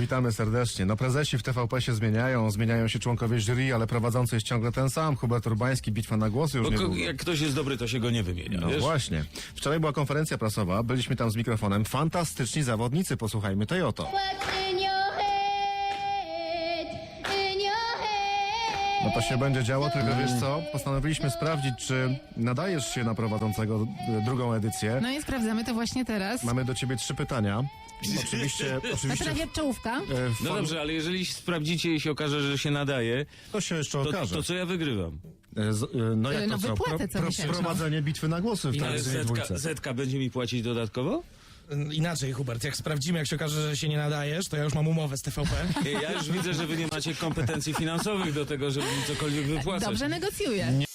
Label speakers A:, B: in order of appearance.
A: Witamy serdecznie. No prezesi w TVP się zmieniają się członkowie jury, ale prowadzący jest ciągle ten sam. Hubert Urbański, bitwa na głosy już niedługo.
B: Jak ktoś jest dobry, to się go nie wymienia.
A: No
B: wiesz?
A: właśnie. Wczoraj była konferencja prasowa, byliśmy tam z mikrofonem. Fantastyczni zawodnicy, posłuchajmy tej oto. No to się będzie działo, tylko wiesz co? Postanowiliśmy sprawdzić, czy nadajesz się na prowadzącego drugą edycję.
C: No i sprawdzamy to właśnie teraz.
A: Mamy do ciebie 3 pytania. Oczywiście
C: Prawie czołówka.
B: No dobrze, ale jeżeli sprawdzicie i się okaże, że się nadaje,
A: to się jeszcze okaże.
B: to co ja wygrywam?
A: No jak
C: No
A: to co?
C: wypłatę co miesięczną.
A: Prowadzenie bitwy na głosy w
B: Ale
A: telewizyjnej dwójce.
B: Zetka będzie mi płacić dodatkowo?
D: Inaczej, Hubert, jak sprawdzimy, jak się okaże, że się nie nadajesz, to ja już mam umowę z TVP.
B: Ja już widzę, że wy nie macie kompetencji finansowych do tego, żeby mi cokolwiek wypłacać.
C: Dobrze negocjuje.